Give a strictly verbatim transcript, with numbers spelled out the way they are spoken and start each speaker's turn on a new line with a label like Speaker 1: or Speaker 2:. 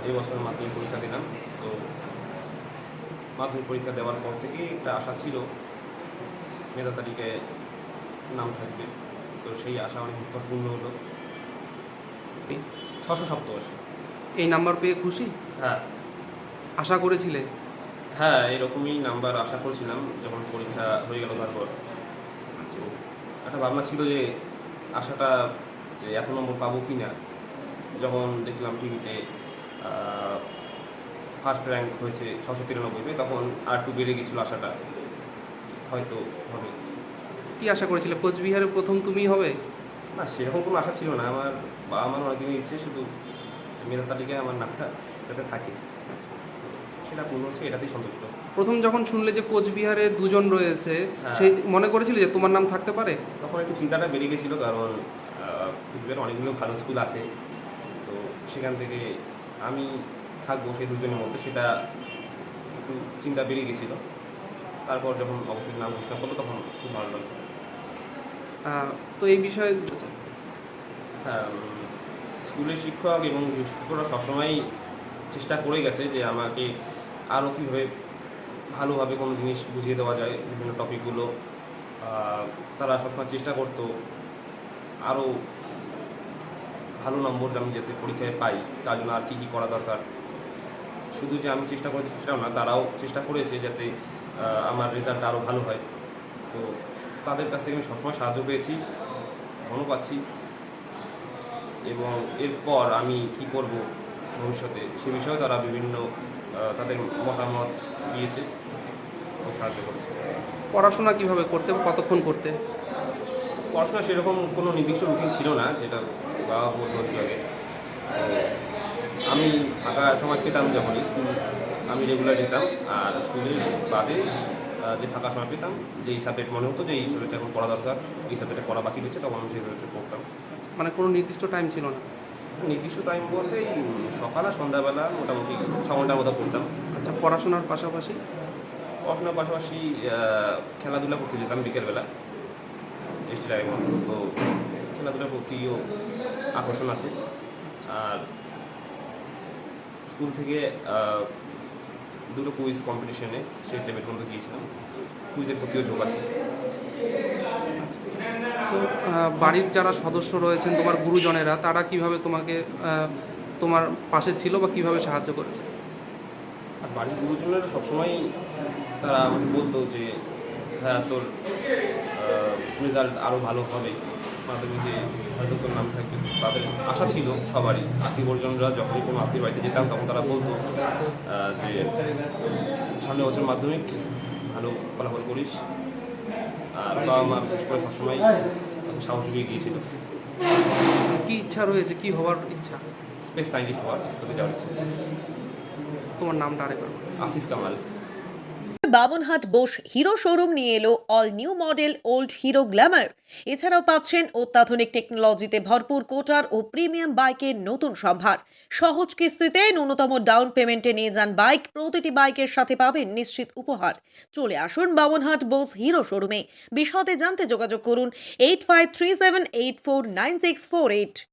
Speaker 1: এই বছর মাধ্যমিক পরীক্ষা দিলাম। তো মাধ্যমিক পরীক্ষা দেওয়ার পর থেকেই একটা আশা ছিল মেধা তালিকায় নাম থাকবে। তো সেই আশা অনেক পূর্ণ হলো। ছশো সপ্তআশি।
Speaker 2: এই নাম্বার পেয়ে খুশি?
Speaker 1: হ্যাঁ।
Speaker 2: আশা করেছিলে?
Speaker 1: হ্যাঁ, এরকমই নাম্বার আশা করছিলাম যখন পরীক্ষা হয়ে গেল তারপর। তো একটা ভাবনা ছিল যে আশাটা যে এত নম্বর পাবো কি না। যখন দেখলাম টিভিতে ফার্স্ট র্যাঙ্ক হয়েছে ছশো তিরানব্বই, তখন আর একটু বেড়ে গেছিলো আশাটা, হয়তো হবে।
Speaker 2: কি আশা করেছিলে কোচবিহারে প্রথম তুমিই হবে?
Speaker 1: না, সেরকম কোনো আশা ছিল না। আমার বাবা মার অনেকদিনের ইচ্ছে শুধু মেধা তালিকায় আমার নামটা যাতে থাকে, সেটা পূর্ণ হচ্ছে, এটাতেই সন্তুষ্ট।
Speaker 2: প্রথম যখন শুনলে যে কোচবিহারে দুজন রয়েছে,
Speaker 1: হ্যাঁ,
Speaker 2: সেই মনে করেছিলে যে তোমার নাম থাকতে পারে?
Speaker 1: তখন একটু চিন্তাটা বেড়ে গেছিলো, কারণ কুচবিহারে অনেকগুলো ভালো স্কুল আছে। তো সেখান থেকে আমি থাকবো সেই দুজনের মধ্যে, সেটা একটু চিন্তা বেড়ে গেছিলো। তারপর যখন অবশ্যই নাম ঘোষণা করলো তখন খুব ভালো লাগলো।
Speaker 2: তো এই বিষয়ে
Speaker 1: হ্যাঁ, স্কুলের শিক্ষক এবং শিক্ষকরা সবসময়ই চেষ্টা করে গেছে যে আমাকে আরও কীভাবে ভালোভাবে কোনো জিনিস বুঝিয়ে দেওয়া যায়, বিভিন্ন টপিকগুলো তারা সবসময় চেষ্টা করতো আরও ভালো নম্বর আমি যাতে পরীক্ষায় পাই, তার জন্য আর কী কী করা দরকার। শুধু যে আমি চেষ্টা করেছি সেটাও না, তারাও চেষ্টা করেছে যাতে আমার রেজাল্টটা আরও ভালো হয়। তো তাদের কাছ থেকে আমি সবসময় সাহায্য পেয়েছি, এখনও পাচ্ছি। এবং এরপর আমি কি করব ভবিষ্যতে সে বিষয়ে তারা বিভিন্ন তাদের মতামত দিয়েছে এবং সাহায্য করেছে।
Speaker 2: পড়াশোনা কিভাবে করতে, কতক্ষণ করতে?
Speaker 1: পড়াশোনা সেরকম কোনো নির্দিষ্ট রুটিন ছিল না, যেটা বাবা বলতো একটু আগে। আমি ফাঁকা সময় পেতাম যখন স্কুল, আমি রেগুলার যেতাম। আর স্কুলের বাদে যে ফাঁকা সময় পেতাম, যেই সাবজেক্ট মনে হতো যে এই সাবজেক্টটা এখন পড়া দরকার, এই সাবজেক্টে পড়া বাকি রয়েছে, তখন আমি সেই সাবজেক্টে পড়তাম।
Speaker 2: মানে কোনো নির্দিষ্ট টাইম ছিল না?
Speaker 1: নির্দিষ্ট টাইম বলতে সকাল আর সন্ধ্যাবেলা মোটামুটি ছ ঘন্টার মতো পড়তাম।
Speaker 2: আচ্ছা, পড়াশোনার পাশাপাশি?
Speaker 1: পড়াশোনার পাশাপাশি খেলাধুলা করতে যেতাম বিকেলবেলা, টেস্ট টাইমের মতো। তো খেলাধুলার প্রতিও আকর্ষণ আছে। আর স্কুল থেকে দুটো কুইজ কম্পিটিশনে স্টেট লেভেল পর্যন্ত গিয়েছিলাম, তো কুইজের প্রতিও ঝোঁক আছে।
Speaker 2: তো বাড়ির যারা সদস্য রয়েছেন, তোমার গুরুজনেরা, তারা কিভাবে তোমাকে তোমার পাশে ছিল বা কিভাবে সাহায্য করেছে?
Speaker 1: আর বাড়ির গুরুজনেরা সবসময় তারা আমাকে বলতো যে হ্যাঁ, তোর রেজাল্ট আরও ভালো হবে, মাধ্যমিকে হয়তো তোর নাম থাকবে। তাদের আশা ছিল সবারই। আত্মীয় পরিজনরা যখনই কোনো আত্মীয় বাড়িতে যেতাম তখন তারা বলতো যে সামনের বছর মাধ্যমিক ভালো ফলাফল করিস। আর বাবা মা বিশেষ করে সবসময় সাহস দিয়ে গিয়েছিল।
Speaker 2: কি ইচ্ছা রয়েছে, কি হওয়ার ইচ্ছা?
Speaker 1: স্পেস সায়েন্টিস্ট হওয়ার, স্কুলে যাওয়ার ইচ্ছা।
Speaker 2: তোমার নামটা আরেকবার?
Speaker 1: আসিফ কামাল।
Speaker 3: বামনহাট বোস হিরো শোরুম নিয়ে এলো all new model old Hero Glamour. এছাড়াও পাচ্ছেন অত্যাধুনিক টেকনোলজিতে ভরপুর কোটার ও প্রিমিয়াম বাইকের নতুন সম্ভার। সহজ কিস্তিতে ন্যূনতম ডাউন পেমেন্টে নিয়ে যান বাইক। প্রতিটি বাইকের সাথে পাবেন নিশ্চিত উপহার। চলে আসুন বামনহাট বোস হিরো শোরুমে। বিশদে জানতে যোগাযোগ করুন eight five three seven eight four nine six four eight.